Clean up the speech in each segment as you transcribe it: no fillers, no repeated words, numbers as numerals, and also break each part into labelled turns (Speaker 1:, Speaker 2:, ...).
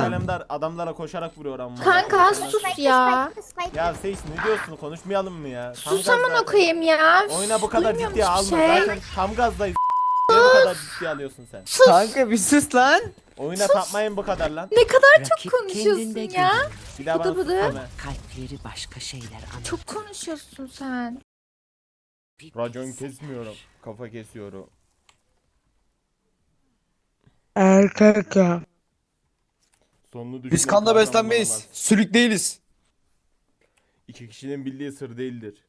Speaker 1: Alemdar adamlara koşarak vuruyor ama.
Speaker 2: Kanka sus ya.
Speaker 1: Ya Sage ne diyorsun? Konuşmayalım mı ya? Tam
Speaker 2: Sus aman
Speaker 1: gazda.
Speaker 2: okuyayım ya.
Speaker 1: Oyuna bu kadar
Speaker 2: Duymuyorum
Speaker 1: ciddiye
Speaker 2: hiçbir
Speaker 1: alma.
Speaker 2: şey.
Speaker 1: Zaten tam gazdayız. Niye bu kadar ciddiye alıyorsun sen?
Speaker 3: Kanka bir sus lan.
Speaker 1: Oyuna tapmayın bu kadar lan.
Speaker 2: Ne kadar çok
Speaker 4: Rakip
Speaker 2: konuşuyorsun
Speaker 4: kendinde
Speaker 2: ya.
Speaker 4: görünür.
Speaker 1: Bir daha bana
Speaker 2: Bıdı bıdı.
Speaker 1: söyleme.
Speaker 4: Kalpleri başka şeyler anlatır.
Speaker 2: Çok konuşuyorsun sen.
Speaker 4: Bir
Speaker 1: Racon
Speaker 4: bilsen.
Speaker 1: kesmiyorum. Kafa kesiyorum.
Speaker 3: Kanka.
Speaker 1: Sonunu
Speaker 3: Biz
Speaker 1: düşünen
Speaker 3: kanla
Speaker 1: kahraman
Speaker 3: beslenmeyiz.
Speaker 1: olamaz.
Speaker 3: Sülük değiliz.
Speaker 1: İki kişinin bildiği sır değildir.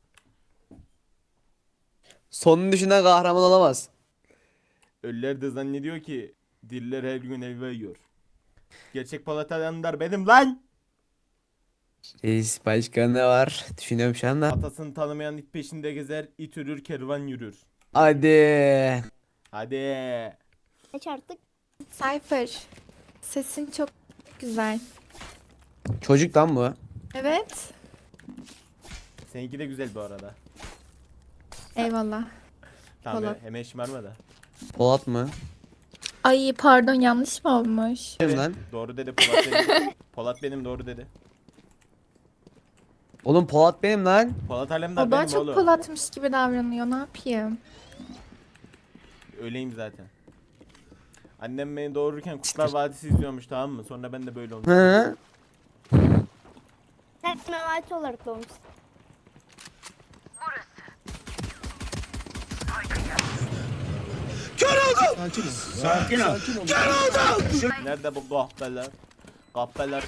Speaker 3: Sonunu düşünen kahraman olamaz.
Speaker 1: Ölüler de zannediyor ki diller her gün elva yiyor. Gerçek Polat Alemdar benim lan.
Speaker 3: Reis başka ne var? Düşünüyorum şu anda.
Speaker 1: Atasını tanımayan it peşinde gezer, it ürür, kervan yürür.
Speaker 3: Hadi.
Speaker 1: Hadi.
Speaker 5: Kaç artık?
Speaker 2: Cypher. Sesin çok güzel.
Speaker 3: Çocuk lan bu.
Speaker 2: Evet.
Speaker 1: Seninki de güzel bu arada.
Speaker 2: Eyvallah.
Speaker 1: Tamam
Speaker 2: Polat.
Speaker 1: hemen şımarma da.
Speaker 3: Polat mı?
Speaker 2: Ay pardon yanlış mı olmuş?
Speaker 3: Benim lan.
Speaker 1: Doğru dedi Polat benim. Polat benim doğru dedi.
Speaker 3: Oğlum Polat benim lan.
Speaker 1: Polat Alemdar
Speaker 2: O daha
Speaker 1: benim
Speaker 2: çok
Speaker 1: oğlum.
Speaker 2: Polat'mış gibi davranıyor. Ne yapayım?
Speaker 1: Öyleyim zaten. Annem beni doğururken Kurtlar Vadisi izliyormuş tamam mı? Sonra ben de böyle oldum.
Speaker 3: Hı?
Speaker 5: Sen memati olarak doğmuşsun.
Speaker 1: Nerede bu kahpeler? Kahpeler.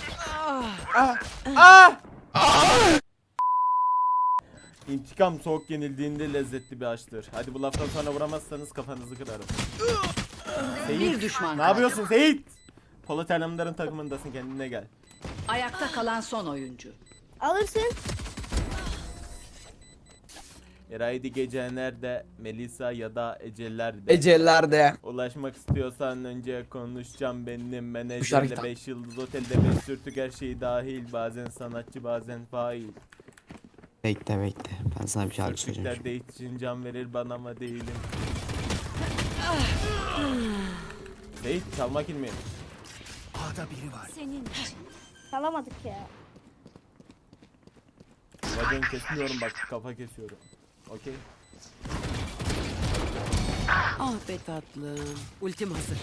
Speaker 1: İntikam soğuk yenildiğinde lezzetli bir açtır. Hadi bu laftan sonra vuramazsanız kafanızı kırarım. Seyit,
Speaker 4: Bir düşman
Speaker 1: ne
Speaker 4: kaldı.
Speaker 1: yapıyorsun Seyit? Polat Alemdar'ın takımındasın kendine gel.
Speaker 4: Ayakta kalan son oyuncu.
Speaker 5: Alırsın.
Speaker 1: Eraydi gece nerede? Melisa ya da Eceller'de.
Speaker 3: Ecellerde.
Speaker 1: Ulaşmak istiyorsan önce konuşacağım benim
Speaker 3: şarkı
Speaker 1: menajerle
Speaker 3: tam.
Speaker 1: 5 yıldız otelde 5 sürtük her şey dahil bazen sanatçı bazen fail.
Speaker 3: Bekle. Ben sana bir şarkı söyleyeceğim.
Speaker 1: Sürtüklerde için can verir bana ama değilim. Seyit çalmak ilmi.
Speaker 5: Çalamadık ya.
Speaker 1: Racon kesmiyorum bak kafa kesiyorum. Okey.
Speaker 4: Ah be tatlım. Ultim hazır.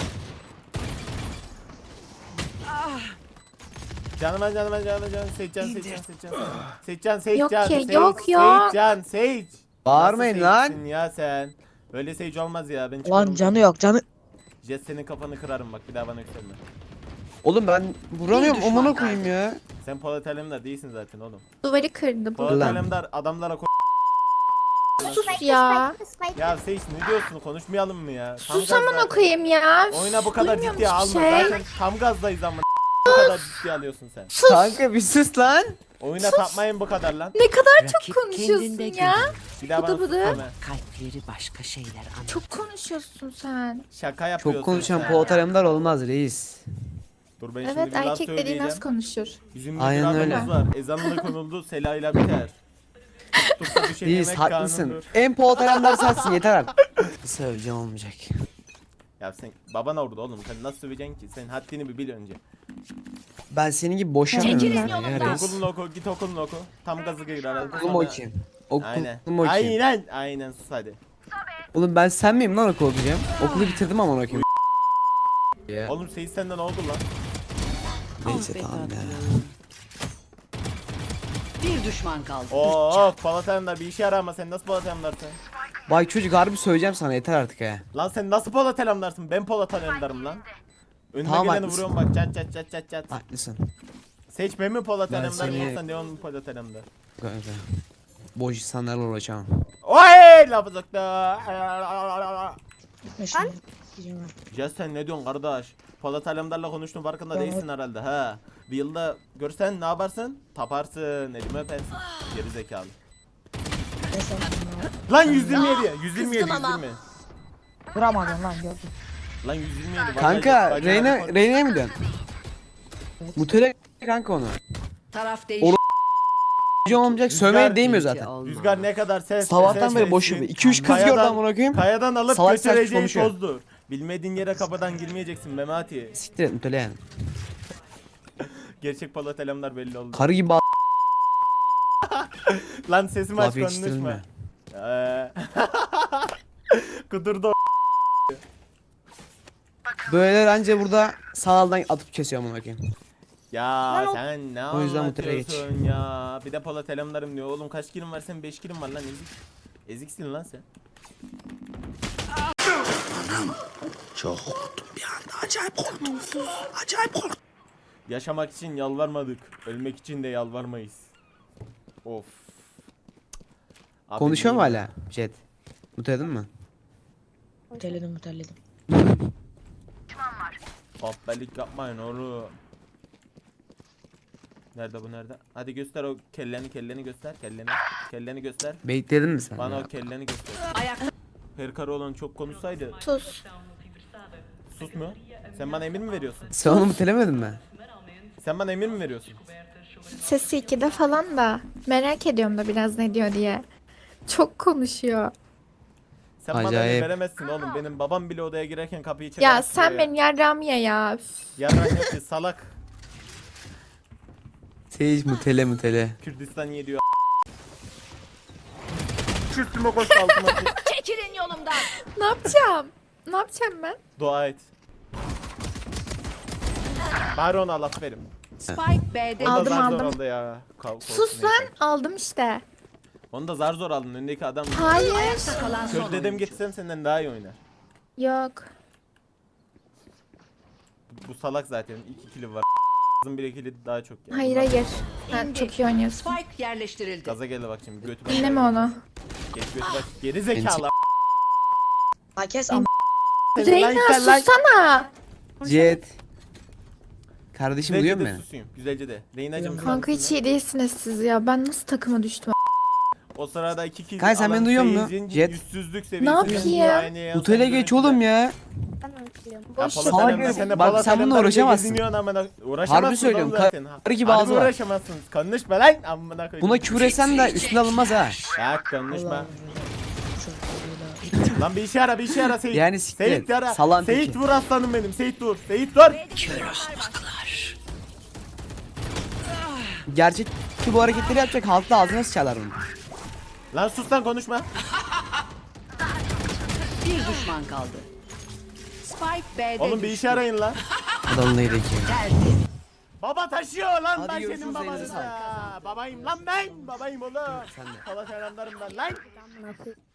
Speaker 1: Canım Seyitcan.
Speaker 2: Yok ki, yok.
Speaker 1: Seyitcan.
Speaker 3: Bağırmayın
Speaker 1: Nasıl
Speaker 3: lan.
Speaker 1: Seyitsin ya sen. Böyle Sage olmaz ya ben
Speaker 6: Lan
Speaker 1: çıkarım.
Speaker 6: canı yok canı.
Speaker 1: Jet senin kafanı kırarım bak bir daha bana yükselme.
Speaker 3: Oğlum ben vuramıyorum
Speaker 4: Bir düşman
Speaker 3: amına
Speaker 4: kaldı.
Speaker 3: koyayım ya.
Speaker 1: Sen Polat Alemdar değilsin zaten oğlum.
Speaker 2: Duvarı kırdı bu.
Speaker 1: Polat
Speaker 3: Lan.
Speaker 1: Alemdar adamlara
Speaker 2: Sus ya.
Speaker 1: Ya Sage ne diyorsun konuşmayalım mı ya? Tam
Speaker 2: Sus aman
Speaker 1: gazda-
Speaker 2: okuyayım ya.
Speaker 1: Oyuna bu kadar
Speaker 2: Duymuyorum
Speaker 1: ciddiye
Speaker 2: hiçbir
Speaker 1: alma
Speaker 2: şey.
Speaker 1: zaten tam gazdayız ama bu kadar ciddiye alıyorsun sen.
Speaker 3: Kanka bir sus lan.
Speaker 1: Oyuna tapmayın bu kadar lan.
Speaker 2: Ne kadar
Speaker 4: Rakip
Speaker 2: çok konuşuyorsun
Speaker 4: kendinde
Speaker 2: ya.
Speaker 4: görünür.
Speaker 1: Bir daha bana
Speaker 2: Bıdı bıdı.
Speaker 1: söyleme.
Speaker 4: Kalpleri başka şeyler anlatır.
Speaker 2: Çok konuşuyorsun sen.
Speaker 1: Şaka yapıyorsun
Speaker 3: Çok konuşan
Speaker 1: sen.
Speaker 3: Polat Alemdar olmaz reis.
Speaker 1: Dur ben şimdi
Speaker 2: Evet
Speaker 1: bir laf
Speaker 2: erkek dediğin
Speaker 1: söyleyeceğim.
Speaker 2: az konuşur.
Speaker 1: Bizim bir
Speaker 3: Aynen
Speaker 1: kuralımız
Speaker 3: öyle.
Speaker 1: var. Ezanla konuldu selayla biter. Tuttukça düşen
Speaker 3: Reis
Speaker 1: yemek
Speaker 3: haklısın.
Speaker 1: kanundur.
Speaker 3: En Polat Alemdar sensin yeter artık. Söyleyeceğim olmayacak.
Speaker 1: Ya sen baban orada oğlum sen nasıl söveceksin ki? Sen haddini bir bil önce.
Speaker 3: Ben senin gibi boşanmıyorum
Speaker 2: Çekilin
Speaker 3: ya reis.
Speaker 1: Okulunu oku git okulunu oku. Tam gazı gir herhalde.
Speaker 3: Okulum okuyayım.
Speaker 1: Aynen.
Speaker 3: Okulum okuyayım.
Speaker 1: Aynen sus hadi.
Speaker 3: Oğlum ben sen miyim lan okul okuyacağım? Okulu bitirdim ama okuyayım. Ya.
Speaker 1: Oğlum Seyit senden ne oldu lan?
Speaker 3: Neyse
Speaker 4: Ah be
Speaker 3: tamam ya.
Speaker 4: tatlım. Bir düşman kaldı.
Speaker 1: Oo Polat Alemdar bir işe yarar ama sen nasıl Polat Alemdar'sın?
Speaker 3: Bak çocuk harbi söyleyeceğim sana yeter artık ha.
Speaker 1: Lan sen nasıl Polat Alemdar'sın? Ben Polat Alemdar'ım lan. Önüne
Speaker 3: Tamam,
Speaker 1: geleni
Speaker 3: haklısın.
Speaker 1: vuruyorum bak çat.
Speaker 3: Haklısın.
Speaker 1: Seç ben mi Polat
Speaker 3: Ben
Speaker 1: Alemdar
Speaker 3: seni-
Speaker 1: yoksa Neon mu Polat Alemdar?
Speaker 3: Kanka. Boş insanlarla uğraşamam.
Speaker 1: Oy lafı soktu. Ya sen ne diyorsun kardeş? Polat Alemdar'la konuştun farkında değilsin herhalde ha. Bir yılda görsen ne yaparsın? Taparsın, elimi öpersin. Geri zekalı. Lan 127, 127.
Speaker 6: Vuramadın lan gördüm.
Speaker 1: Lan 127. vallahi
Speaker 3: Kanka
Speaker 1: bacağına
Speaker 3: Reyna
Speaker 1: koy.
Speaker 3: Reyna'ya mı dön? Mutele kanka onu.
Speaker 4: Taraf değişti.
Speaker 3: Hocam olmayacak
Speaker 1: Rüzgar-
Speaker 3: sövmeye değmiyor zaten.
Speaker 1: Rüzgar ne kadar ses.
Speaker 3: Sabahtan beri boş yapıyor. 2-3 kız gördü amına koyayım.
Speaker 1: Kayadan alıp
Speaker 3: Salak salak
Speaker 1: götüreceğin
Speaker 3: konuşuyor.
Speaker 1: tozdur. Bilmediğin yere kapıdan girmeyeceksin Memati.
Speaker 3: Siktir et Mutele yani.
Speaker 1: Gerçek Polat Alemdar belli oldu.
Speaker 3: Karı gibi
Speaker 1: Lan sesimi
Speaker 3: laf
Speaker 1: aç konuşma.
Speaker 3: yetiştirilme.
Speaker 1: Kudurdu.
Speaker 3: Böyle anca burada sağdan atıp kesiyor amına koyayım.
Speaker 1: Ya
Speaker 5: Lan o-
Speaker 1: sen ne
Speaker 3: O yüzden bu tarafa geç.
Speaker 1: anlatıyorsun ya? Bir de Polat Alemdar'ım diyor. Oğlum kaç kilim var senin? 5 kilim var lan ezik. Eziksin lan sen.
Speaker 7: Çok korktum bir anda. Acayip korktum. Acayip korktum.
Speaker 1: Yaşamak için yalvarmadık. Ölmek için de yalvarmayız. Of. Abi
Speaker 3: Konuşuyor mu
Speaker 1: değil mi?
Speaker 3: hala? Jet. Mutledin mi?
Speaker 6: Muteledim.
Speaker 1: Aptallık yapmayın oğlum. Nerede bu nerede? Hadi göster o kelleni göster kelleni göster.
Speaker 3: Bekledin mi sen?
Speaker 1: Bana
Speaker 3: ya?
Speaker 1: o kelleni göster.
Speaker 4: Ayakta
Speaker 1: Perkar olan çok konuşsaydı.
Speaker 2: Sus.
Speaker 1: Sus mu? Sen bana emir mi veriyorsun?
Speaker 3: Sen onu mutelemedin mi?
Speaker 1: Sen bana emir mi veriyorsun?
Speaker 2: Sesi 2'de falan da. Merak ediyorum da biraz ne diyor diye. Çok konuşuyor.
Speaker 1: Sen bana emir
Speaker 3: Acayip.
Speaker 1: veremezsin oğlum. Benim babam bile odaya girerken kapıyı çeker.
Speaker 2: Ya sen benim yarrağımı ye ya. Üf.
Speaker 1: Yarrak yok ki salak.
Speaker 3: Sage mutele.
Speaker 1: Kürdistan ye diyor. Kürtüme koş altıma koş.
Speaker 4: çekilin yolumdan.
Speaker 2: Ne yapacağım? Ne yapacağım ben?
Speaker 1: Dua et. Bari ona laf verim.
Speaker 4: Spike B'de
Speaker 1: Onu da
Speaker 2: Aldım,
Speaker 1: zar zor
Speaker 2: aldım.
Speaker 1: aldı ya.
Speaker 2: Sus lan. Aldım işte.
Speaker 1: Onu da zar zor aldın. Önündeki adam.
Speaker 2: Hayır.
Speaker 4: kalan son
Speaker 1: Kör dedem
Speaker 4: oyuncu.
Speaker 1: getirsem senden daha iyi oynar.
Speaker 2: Yok.
Speaker 1: Bu salak zaten. 2 kilo var. Kızın bir kili daha çok yani.
Speaker 2: Hayır hayır. Sen çok iyi oynuyorsun.
Speaker 4: Spike yerleştirildi.
Speaker 1: Gaza geldi bak şimdi. Götü bak.
Speaker 2: Dinleme onu.
Speaker 1: Geç götü bak. Geri zekalı.
Speaker 6: Herkes ama
Speaker 2: Reyna sussana.
Speaker 3: Jet. Kardeşim duyuyor
Speaker 1: Güzelce de
Speaker 3: musun
Speaker 1: susayım. Güzelce de. Reyna'cım.
Speaker 2: Kanka hiç iyi değilsiniz siz ya. Ben nasıl takıma düştüm?
Speaker 1: O sırada 2 kill.
Speaker 3: Kanka sen beni duyuyor musun? Jet.
Speaker 1: Yüzsüzlük seviyesi.
Speaker 2: yapayım?
Speaker 3: beni? Mutele geç oğlum ya.
Speaker 5: Ben unutuluyorum.
Speaker 2: Boş
Speaker 3: Salak herif. Bak sen bununla uğraşamazsın. Harbi söylüyorum. Karı gibi ağzı var.
Speaker 1: Uğraşamazsın. Konuşma lan. Amına koyayım.
Speaker 3: Buna küfür etsen de üstüne alınmaz ha.
Speaker 1: Ya konuşma. Lan bir işe ara, bir işe ara Seyit.
Speaker 3: Yani siktir et.
Speaker 1: Seyit ara.
Speaker 3: Salan
Speaker 1: Seyit
Speaker 3: teki.
Speaker 1: vur aslanım benim. Seyit dur. Seyit dur.
Speaker 3: Gerçek ki bu hareketleri yapacak halk da ağzına sıçarlar onu.
Speaker 1: Lan sus lan konuşma.
Speaker 4: Bir düşman kaldı. Spike B'de
Speaker 1: Oğlum bir işe arayın lan.
Speaker 3: Adamın neydi ki?
Speaker 4: Geldi.
Speaker 1: Baba taşıyor lan
Speaker 3: Hadi
Speaker 1: ben
Speaker 3: görüşürüz,
Speaker 1: senin babanım
Speaker 3: elinize
Speaker 1: ya. Babayım lan ben. Babayım oğlum.
Speaker 3: Sen de.
Speaker 1: Polat Alemdar'ım ben lan.
Speaker 5: Amına koyayım.